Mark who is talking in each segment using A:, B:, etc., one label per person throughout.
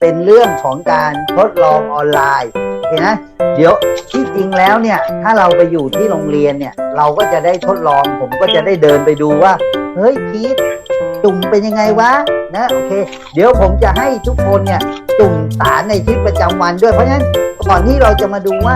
A: เป็นเรื่องของการทดลองออนไลน์เห็นไหมเดี๋ยวที่จริงแล้วเนี่ยถ้าเราไปอยู่ที่โรงเรียนเนี่ยเราก็จะได้ทดลองผมก็จะได้เดินไปดูว่าเฮ้ยพีทจุ่มเป็นยังไงวะนะโอเคเดี๋ยวผมจะให้ทุกคนเนี่ยจุ่มสารในชีวิตประจำวันด้วยเพราะฉะนั้นก่อนที่เราจะมาดูว่า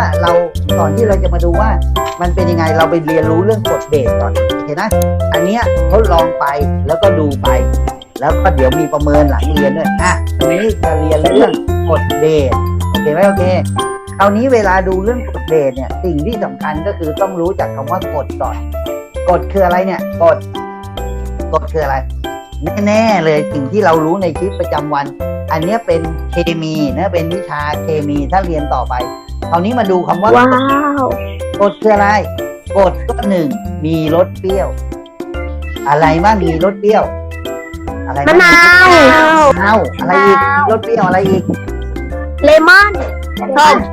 A: มันเป็นยังไงเราไปเรียนรู้เรื่องกฎเบสก่อนเห็นไหมอันเนี้ยทดลองไปแล้วก็ดูไปแล้วก็เดี๋ยวมีประเมินหลังเรียนด้วยตรงนี้จะเรียนเรื่องกฎเบสโอเคไหมโอเคคราวนี้เวลาดูเรื่องกฎเบสเนี่ยสิ่งที่สำคัญก็คือต้องรู้จักคำว่ากฎก่อนกฎคืออะไรเนี่ยกฎคืออะไรแน่ๆเลยสิ่งที่เรารู้ในชีวิตประจำวันอันนี้เป็นเคมีนะเป็นวิชาเคมีถ้าเรียนต่อไปคราวนี้มาดูคำว่ากฎคืออะไรกฎก็หนึ่งมีรสเปรี้ยวอะไรบ้างมีรสเปรี้ยวอะไรบ้างมะนาวอะไรอีกรสเปรี้ยวอะไรอีก
B: เลมอนส้ม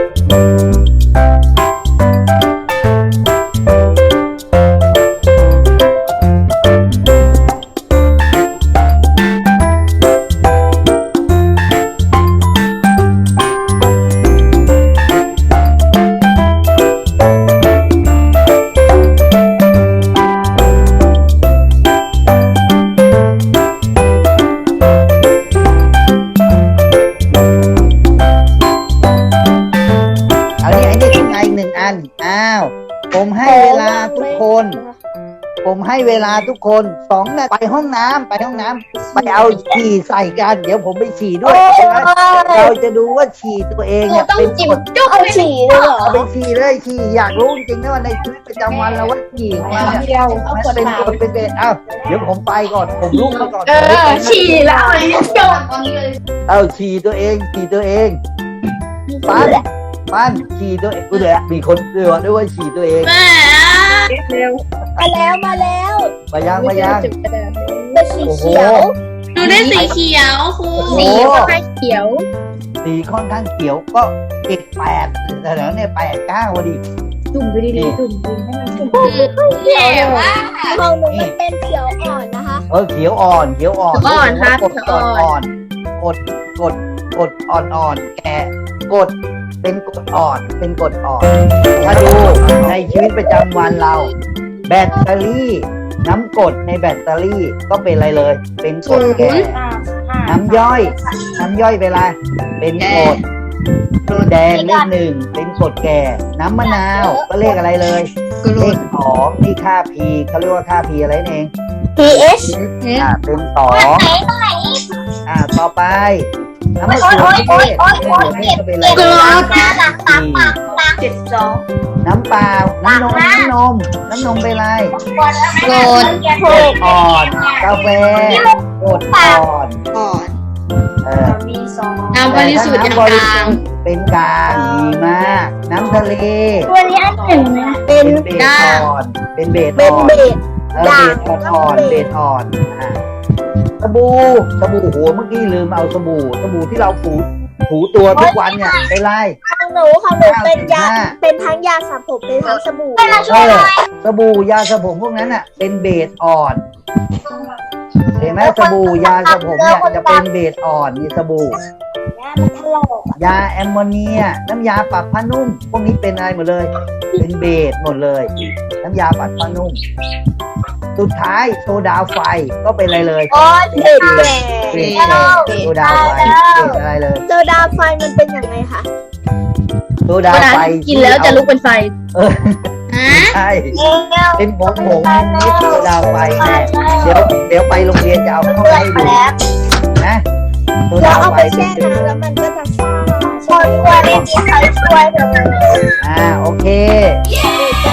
B: ผมให้เวลาทุกคน2 นาทีไปห้องน้ำไปเอาฉี่ใส่กันเดี๋ยวผมไปฉี่ด้วยเราจะดูว่าฉี่ตัวเองเนี่ยเป็นกฎเอาฉี่เลยเหรอ
A: เอาไปฉี่เลยฉี่อยากรู้จริงๆนะว่าในชีวิตประจำวันเราว่าฉี่ของเราเนี่ยมันเป็นกฎเป็นเบสเดี๋ยวผมไปก่อนผมลุกไปก่อน
B: ฉี่แล้วจบ
A: เอาฉี่ตัวเองปั้นฉี่ตัวเองกูเดี๋ยวมีคนเตือนด้วยว่าฉี่ตัวเอง
B: เร็วมายัง
A: เป็น
B: สีเขียว
C: ดูได้สีเขียวครู
B: สีค่อนข้างเขียว
A: ก็8แต่แล้วเนี่ย8-9พอดี
B: จุ่มไปดีๆจุ่มให้มันจุ่ม
C: เขียวว่า
B: ของหนูมันเป็นเขียวอ่อนนะคะ
A: เขียวอ่อน
C: ครับ
A: กดอ่อนแก่กดเป็นกฎอ่อนถ้าดูในชีวิตประจำวันเราแบตเตอรี่น้ำกรดในแบตเตอรี่ก็เป็นอะไรเลยเป็นกรดแก่น้ำย่อยเป็นอะไรเป็นกรดแดงเลข 1เป็นกรดแก่น้ำมะนาวก็เลขอะไรเลยเลข 2นี่ค่า P เขาเรียกว่าค่า P อะไรนั่นเอง
B: pH
A: เป็น2ต่อไปน้ำมะเขือเทศก็เป็นอะไรน้ำเปล่าน้ำนมเป็นอะไร
C: กรด
A: อ่อนกาแฟกรดอ่อน
C: น้ำบริสุทธิ์กลาง
A: เป็นกลางดีมากน้ำทะเล
B: ตัวนี้อันหนึ่งนะ
A: เป็นเบสอ่อนเบสอ่อนสบู่โหเมื่อกี้ลืมเอาสบู่ที่เราถูตัวทุกวันเนี่ยเป็นไร
B: ของหนูเป็นทั้งยาสระผมเป็นทั้งสบู่
A: สบู่ยาสระผมพวกนั้นน่ะเป็นเบสอ่อนเห็นไหมสบู่ยาสระผมเนี่ยจะเป็นเบสอ่อนมีสบู่ยาแอมโมเนียน้ำยาปรับผ้านุ่มพวกนี้เป็นอะไรหมดเลยเป็นเบสหมดเลยน้ำยาปรับผ้านุ่มสุดท้ายโซดาไฟก็เป็นอะไรเลย
B: เบส
A: โซดาไฟเป็นอะไรเลย
B: โซดาไฟมันเป็นยังไงคะ
A: โซดาไฟ
C: กินแล้วจะลุกเป็นไฟ
A: ใช่เป็นผงนิดโซดาไฟเดี๋ยวไปโรงเรียนจะเอาเข้าให้ดูนะโซดาไฟ
B: แช่น้ำแล้วมันก็จะซ่าช่วยได้มีใครช่วยเธอ
A: โอเค